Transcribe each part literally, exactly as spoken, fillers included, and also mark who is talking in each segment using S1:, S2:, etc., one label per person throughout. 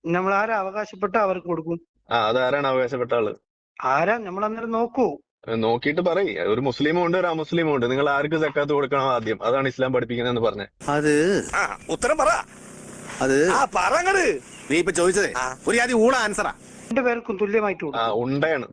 S1: നമ്മൾ ആരാ അവകാശപ്പെട്ട അവർക്ക് കൊടുക്കും.
S2: ആ അതാരാണ് അവകാശപ്പെട്ട ആള്?
S1: ആരാ നമ്മൾ അന്നേരം നോക്കൂ.
S2: നോക്കിയിട്ട് പറയ്. ഒരു മുസ്ലിമും ഉണ്ട് ഒരു അമുസ്ലിമും ഉണ്ട്. നിങ്ങൾ ആർക്ക് സക്കാത്ത് കൊടുക്കണം ആദ്യം? അതാണ് ഇസ്ലാം പഠിപ്പിക്കുന്നതെന്ന് പറഞ്ഞേ.
S3: അത്
S4: ഉത്തരം പറ.
S3: അത്
S4: പറങ്ങട്.
S3: നീ ഇപ്പൊ ചോദിച്ചതേ ഒരു ആദ്യം ഊള ആൻസറാ.
S1: രണ്ടു പേർക്കും തുല്യമായിട്ട്
S2: ആ
S1: കൊടുക്കും.
S2: ഉണ്ടയാണ്.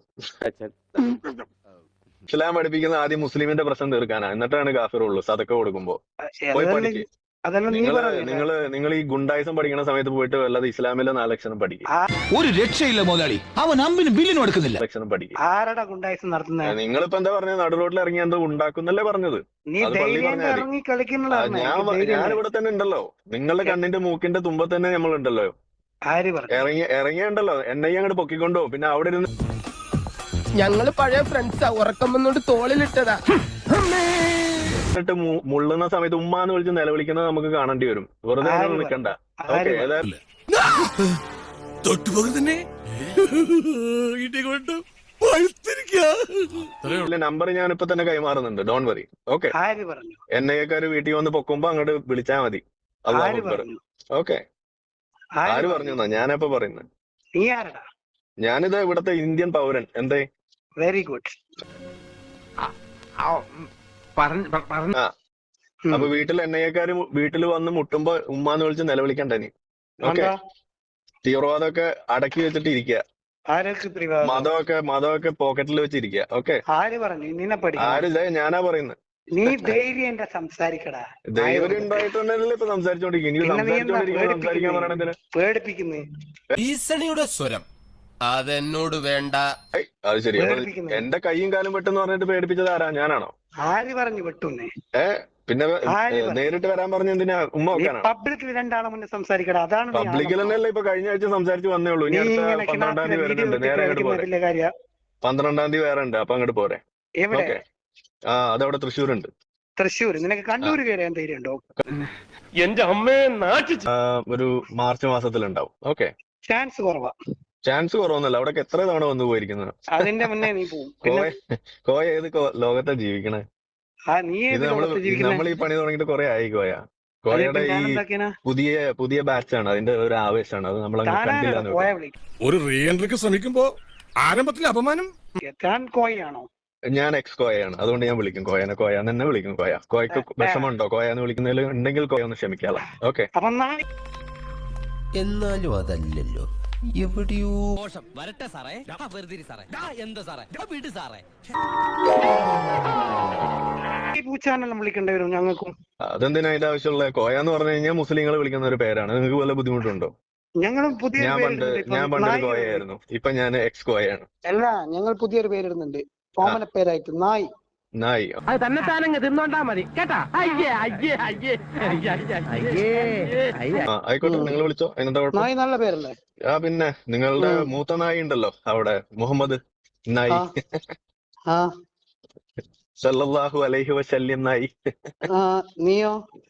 S2: ഇസ്ലാം പഠിപ്പിക്കുന്ന ആദ്യം മുസ്ലിമിന്റെ പ്രശ്നം തീർക്കാനാ, എന്നിട്ടാണ് കാഫിറുള്ളൂ സദക്ക കൊടുക്കുമ്പോ. പോയി
S1: അതല്ല
S2: പഠിക്ക്.
S1: അതല്ല നീ
S2: നിങ്ങള്
S1: പറഞ്ഞില്ലേ?
S2: നിങ്ങള് നിങ്ങൾ ഈ ഗുണ്ടായിസം പഠിക്കുന്ന സമയത്ത് പോയിട്ട് വല്ലത് ഇസ്ലാമിലെ നാലക്ഷരം പഠിക്കും.
S5: ഒരു രക്ഷയില്ല മുതലാളി, അവൻ അമ്പിനും ബില്ലിനും എടുക്കുന്നില്ല.
S2: ലക്ഷണം പഠിക്കും.
S1: ആരടാ ഗുണ്ടായിസം നടത്തുന്നത്?
S2: നിങ്ങളിപ്പോ എന്താ പറഞ്ഞത്? നടു റോഡിൽ ഇറങ്ങി എന്തോ ഉണ്ടാക്കുന്നല്ലേ പറഞ്ഞത്?
S1: നീ
S2: അത് പള്ളി
S1: ധൈര്യം
S2: പറഞ്ഞാൽ മതി.
S1: ഇറങ്ങി
S2: ആ,
S1: കളിക്കുന്നതാണ്.
S2: ഞാൻ ഞാനിവിടെ തന്നെ ഉണ്ടല്ലോ. നിങ്ങളുടെ കണ്ണിന്റെ മൂക്കിന്റെ തുമ്പത്ത് തന്നെ നമ്മളുണ്ടല്ലോ.
S1: ആര് പറഞ്ഞു?
S2: ഇറങ്ങി ഇറങ്ങിയുണ്ടല്ലോ. എന്നെ അങ്ങോട്ട് പൊക്കിക്കൊണ്ടോ. പിന്നെ അവിടെ ഇരുന്ന്
S6: ഞങ്ങള് പഴയ ഫ്രണ്ട്സാ. ഉറക്കം വന്നോണ്ട് തോളിലിട്ടതാ.
S2: ിട്ട് മുള്ളുന്ന സമയത്ത് ഉമ്മാന്ന് വിളിച്ച് നിലവിളിക്കുന്നത് നമുക്ക് കാണേണ്ടി വരും. വെറുതെ
S1: ആര്
S2: അങ്ങനെ നിൽക്കണ്ട.
S1: ആര്
S2: ഓക്കെ.
S1: പറഞ്ഞു?
S2: നമ്പർ ഞാൻ ഇപ്പൊ തന്നെ കൈമാറുന്നുണ്ട്. Don't worry. ഓക്കെ.
S1: ആര് പറഞ്ഞു?
S2: എൻ ഐ എക്കാര് വീട്ടിൽ വന്ന് പൊക്കുമ്പോ അങ്ങോട്ട് വിളിച്ചാൽ മതി. അല്ലാഹു
S1: ആര്
S2: അക്ബർ.
S1: പറഞ്ഞു?
S2: ഓക്കെ. ആര്
S1: ആര്
S2: പറഞ്ഞു എന്നാ ഞാനപ്പോ പറയുന്നത്?
S1: നീ ആരടാ?
S2: ഞാനിത് ഇവിടത്തെ ഇന്ത്യൻ പൗരൻ. എന്തേ?
S1: Very good.
S2: ആ അപ്പൊ വീട്ടിൽ എൻ ഐ എക്കാര് വീട്ടിൽ വന്ന് മുട്ടുമ്പോ ഉമ്മാന്ന് വിളിച്ച് നിലവിളിക്കണ്ട നീ. ഓക്കെ. തീവ്രവാദമൊക്കെ അടക്കി വെച്ചിട്ട് ഇരിക്കുക.
S1: ആരൊക്കെ പ്രിവാദം?
S2: മതമൊക്കെ മതമൊക്കെ പോക്കറ്റിൽ വെച്ചിരിക്കുക. ഓക്കെ.
S1: ആര് പറഞ്ഞു നിന്നെ പഠിക്കണം?
S2: ആരില്ല, ഞാനാ പറയുന്നത്.
S1: നീ ധൈര്യം സംസാരിക്കടാ.
S2: ധൈര്യം ഉണ്ടായിട്ടുണ്ടല്ലേ ഇപ്പൊ സംസാരിച്ചോണ്ടിരിക്കും. ഇനി
S1: പിന്നെ നീ എന്താ
S2: സംസാരിച്ചോണ്ടിരിക്കുമ്പോ സംസാരിക്കാൻ പറയണതിന്
S1: പേടിപ്പിക്കുന്നേ?
S6: ഭീഷണിയുടെ സ്വരം അതെന്നോട് വേണ്ട.
S2: അത് ശരി. അപ്പൊ
S1: പേടിപ്പിക്കുന്നേ.
S2: എന്റെ കൈയും കാലും വെട്ടെന്ന് പറഞ്ഞിട്ട് പേടിപ്പിച്ചത് ആരാ? ഞാനാണോ?
S1: ആര് പറഞ്ഞു വെട്ടുന്നേ?
S2: ഏ പിന്നെ
S1: ആര് പറഞ്ഞു?
S2: നേരിട്ട് വരാൻ പറഞ്ഞ എന്തിനാ? ഉമ്മ
S1: നീ
S2: വെക്കാനാണ്?
S1: പബ്ലിക്കിൽ രണ്ടാളെ മുന്നേ സംസാരിക്കടാ. അതാണ് നീ
S2: പബ്ലിക്കിൽ
S1: ആളെ-
S2: തന്നെയല്ലേ ഇപ്പൊ കഴിഞ്ഞ ആഴ്ച സംസാരിച്ച് വന്നേ ഉള്ളൂ. ഇനി
S1: നീ
S2: അടുത്ത
S1: ഇങ്ങനെ
S2: പന്ത്രണ്ടാം തീയതി
S1: വീഡിയോ
S2: വരുന്നുണ്ട്. നേരെ അങ്ങോട്ട് പോരെ.
S1: ഇട്ടിട്ട് കാര്യ
S2: പന്ത്രണ്ടാം തീയതി വേറെ ഉണ്ട്. അപ്പൊ അങ്ങോട്ട് പോരെ.
S1: എവിടെ?
S2: ഓക്കെ. ആ അതവിടെ തൃശ്ശൂരുണ്ട്.
S1: തൃശ്ശൂർ. നിനക്ക് കണ്ണൂര് കയറിയാൻ ധൈര്യം ഉണ്ടോ?
S6: എന്റെ അമ്മയെ നാട്ടി
S2: ആ, ഒരു മാർച്ച് മാസത്തിലുണ്ടാവും. ഓക്കെ.
S1: ചാൻസ് കുറവാ.
S2: ചാൻസ് കുറവൊന്നുമല്ല. അവിടെ എത്ര തവണ വന്നു പോയിരിക്കുന്നത്.
S1: അതിന്റെ മുന്നേ നീ പോവും. പിന്നെ
S2: കോയ കോയ ഏത് കോ- ലോകത്താ ജീവിക്കണേ?
S1: ആ നീ
S2: ഇത്
S1: ഏത്
S2: നമ്മള്
S1: ലോകത്ത് ജീവിക്കുന്നെ?
S2: നമ്മൾ ഈ പണി തുടങ്ങിയിട്ട് കുറെ ആയി കോയ.
S1: അതിപ്പോ
S2: കോയയുടെ ഈ
S1: ഞാനെന്താക്കിനാ?
S2: പുതിയ പുതിയ ബാച്ചാണ്. അതിന്റെ ഒരു ആവേശമാണ്. അത് നമ്മൾ
S1: താനാരാ
S2: കണ്ടില്ല.
S1: കോയ വിളിക്കും?
S4: ഒരു റീ എൻട്രിക്ക് ശ്രമിക്കുമ്പോ ആരംഭത്തിൽ അപമാനം.
S1: താൻ കോയാണോ?
S2: ഞാൻ എക്സ് കോയയാണ്. അതുകൊണ്ട് ഞാൻ വിളിക്കും കോയനെ. കോയ എന്ന് തന്നെ വിളിക്കും. കോയ കോയക്ക് വിഷമമുണ്ടോ കോയ എന്ന് വിളിക്കുന്നതിൽ? ഉണ്ടെങ്കിൽ കോയ ഒന്ന് ക്ഷമിക്കാളാം. ഓക്കെ.
S1: അപ്പൊ നാളെ
S6: എന്നാലും അതല്ലല്ലോ എവിടെയോ.
S7: വരട്ടെ സാറേ. വെറുതെ സാറേ. എന്താ സാറേ? വിട് സാറേ.
S1: ഈ പൂച്ചാനെല്ലാം വിളിക്കേണ്ടി വരും ഞങ്ങൾക്കും.
S2: അതെന്തിനാ അതിന്റെ ആവശ്യമുള്ള? കോയ എന്ന് പറഞ്ഞു കഴിഞ്ഞാൽ മുസ്ലിങ്ങൾ വിളിക്കുന്ന ഒരു പേരാണ്. നിങ്ങൾക്ക് വല്ല ബുദ്ധിമുട്ടുണ്ടോ?
S1: ഞങ്ങളും പുതിയ
S2: ഞാൻ പണ്ട് ഞാൻ പണ്ടൊരു കോയയായിരുന്നു. ഇപ്പൊ ഞാൻ എക്സ് കോയയാണ്.
S1: അല്ല, ഞങ്ങൾ പുതിയൊരു പേരിടുന്നുണ്ട്. കോമന പേരായിട്ട് നായ്.
S2: നായി.
S6: അത് തന്നെ താനങ്ങ് തിന്നോണ്ടാ മതി കേട്ടാ. അയ്യേ അയ്യേ അയ്യേ അയ്യേ.
S2: ആ ആയിക്കോട്ടെ. നിങ്ങൾ വിളിച്ചോ. അതിനെന്താ കുഴപ്പം?
S1: നായ് നല്ല പേരല്ലേ?
S2: ആ പിന്നെ നിങ്ങളുടെ മൂത്ത നായി ഉണ്ടല്ലോ അവിടെ, മുഹമ്മദ് നായി.
S1: ആ
S2: സല്ലല്ലാഹു അലൈഹി വസല്ലം നായി.
S1: ആ, നീയോ?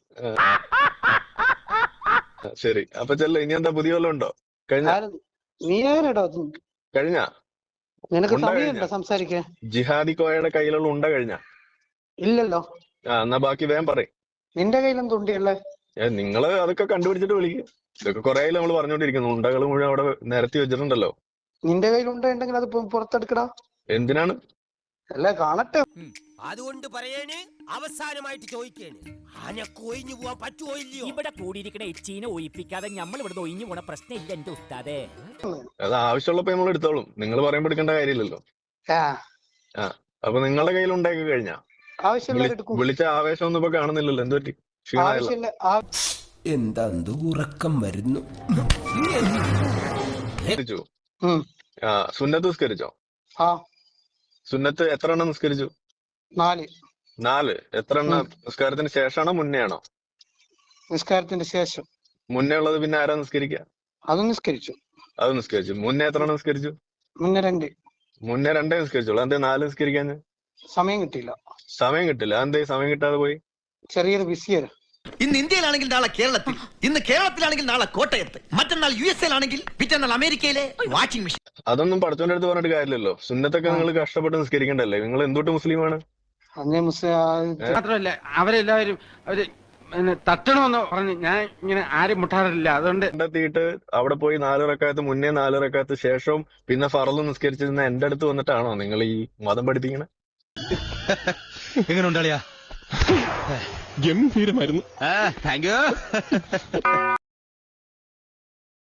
S2: ശരി. അപ്പൊ ചെല്ല. ഇനി എന്താ പുതിയ വല്ലതും ഉണ്ടോ? കഴിഞ്ഞ
S1: ആര്? നീ ആരടാ?
S2: കഴിഞ്ഞ
S1: നിനക്ക്
S2: ഉണ്ട
S1: സമയമുണ്ടോ
S2: കഴിഞ്ഞ?
S1: സംസാരിക്കാൻ?
S2: ജിഹാദി കോയയുടെ കയ്യിലുള്ള ഉണ്ട കഴിഞ്ഞ?
S1: ഇല്ലല്ലോ.
S2: ആ എന്നാ ബാക്കി വേഗം പറയും.
S1: നിന്റെ കയ്യിലും തുണ്ടിയല്ലേ?
S2: നിങ്ങള് അതൊക്കെ കണ്ടുപിടിച്ചിട്ട് വിളിക്കും. ഇതൊക്കെ കുറെ ആയി നമ്മൾ പറഞ്ഞോണ്ടിരിക്കുന്നു. ഉണ്ടകൾ മുഴുവൻ അവിടെ നിരത്തി വെച്ചിട്ടുണ്ടല്ലോ.
S1: നിന്റെ കയ്യിൽ ഉണ്ടെങ്കിൽ അത് പു- പുറത്തെടുക്കടാ.
S2: എന്തിനാണ്?
S1: അല്ല, കാണട്ടെ.
S7: അതുകൊണ്ട് പറയേണ്, അവസാനമായിട്ട് ചോദിക്കേണ്, ആനക്ക് ഒഴിഞ്ഞു പോവാൻ പറ്റുമോ ഇല്ലയോ? ഇവിടെ കൂടിയിരിക്കണ എച്ചീനെ ഒഴിപ്പിക്കാതെ നമ്മൾ ഇവിടെ ഒഴിഞ്ഞു പോണ പ്രശ്നം ഇല്ല എന്റെ ഉസ്താദേ.
S2: അത് ആവശ്യമുള്ളപ്പോ നമ്മൾ എടുത്തോളും. നിങ്ങൾ പറയുമ്പോ എടുക്കേണ്ട കാര്യമില്ലല്ലോ.
S1: ആ,
S2: ആ അപ്പൊ നിങ്ങളുടെ കയ്യിൽ ഉണ്ടാക്കി കഴിഞ്ഞാ
S1: ആവശ്യമില്ല എടുക്കും.
S2: വിളിച്ച ആവേശം ഒന്നും ഇപ്പൊ കാണുന്നില്ലല്ലോ. എന്ത് പറ്റി? ക്ഷീണമായല്ലോ.
S1: ആവശ്യമില്ല. ആ-
S6: എന്താ ഉറക്കം വരുന്നു.
S2: നിസ്കരിച്ചു?
S1: ഉം.
S2: ആ സുന്നത്ത് നിസ്കരിച്ചോ?
S1: ആ,
S2: സുന്നത്ത് എത്ര എണ്ണം നിസ്കരിച്ചു?
S1: നാല്.
S2: നാല്. എത്ര എണ്ണം നിസ്കാരത്തിന് ശേഷമാണോ മുന്നേ ആണോ?
S1: നിസ്കാരത്തിന്റെ ശേഷം.
S2: മുന്നേ ഉള്ളത് പിന്നെ ആരാ നിസ്കരിക്കുക?
S1: അത് നിസ്കരിച്ചു.
S2: അത് നിസ്കരിച്ചു. മുന്നേ എത്ര എണ്ണം നിസ്കരിച്ചു?
S1: മുന്നേ രണ്ട്.
S2: മുന്നേ രണ്ടേ നിസ്കരിച്ചോളൂ. എന്തേ നാല് നിസ്കരിക്കാൻ?
S1: സമയം കിട്ടിയില്ല.
S2: സമയം കിട്ടില്ല. എന്തേ സമയം കിട്ടാതെ പോയി?
S1: ചെറിയൊരു ബിസിയല്ല.
S5: ഇന്ന് ഇന്ത്യയിലാണെങ്കിൽ നാളെ കേരളത്തിൽ, ഇന്ന് കേരളത്തിലാണെങ്കിൽ നാളെ കോട്ടയത്ത്, മറ്റന്നാൾ യു എസ് എയിലാണെങ്കിൽ പിറ്റന്നാൾ അമേരിക്കയിലെ വാഷിംഗ് മെഷീൻ.
S2: അതൊന്നും പഠിച്ചോന്റെ അടുത്ത് പറഞ്ഞിട്ട് കാര്യമില്ലല്ലോ. സുന്നത്തൊക്കെ നിങ്ങൾ കഷ്ടപ്പെട്ട് നിസ്കരിക്കണ്ടല്ലേ? നിങ്ങൾ എന്തൊട്ട് മുസ്ലിമാണ്?
S1: അന്നേ മുസ്ലിം
S6: മാത്രമല്ല അവരെല്ലാവരും അവര്
S8: തട്ടണമെന്ന് പറഞ്ഞ് ഞാൻ ഇങ്ങനെ ആരും മുട്ടാറില്ല, അതുകൊണ്ട്
S2: കണ്ടെത്തിയിട്ട് അവിടെ പോയി നാല് റക്കാത്ത് മുന്നേ നാല് റക്കാത്ത് ശേഷവും പിന്നെ ഫറല് നിസ്കരിച്ചിരുന്ന എന്റെ അടുത്ത് വന്നിട്ടാണോ നിങ്ങൾ ഈ മതം പഠിപ്പിക്കണേ?
S5: എങ്ങനെ ഉണ്ടാളിയാ?
S4: ഗംഭീരമായിരുന്നു.
S5: Thank you.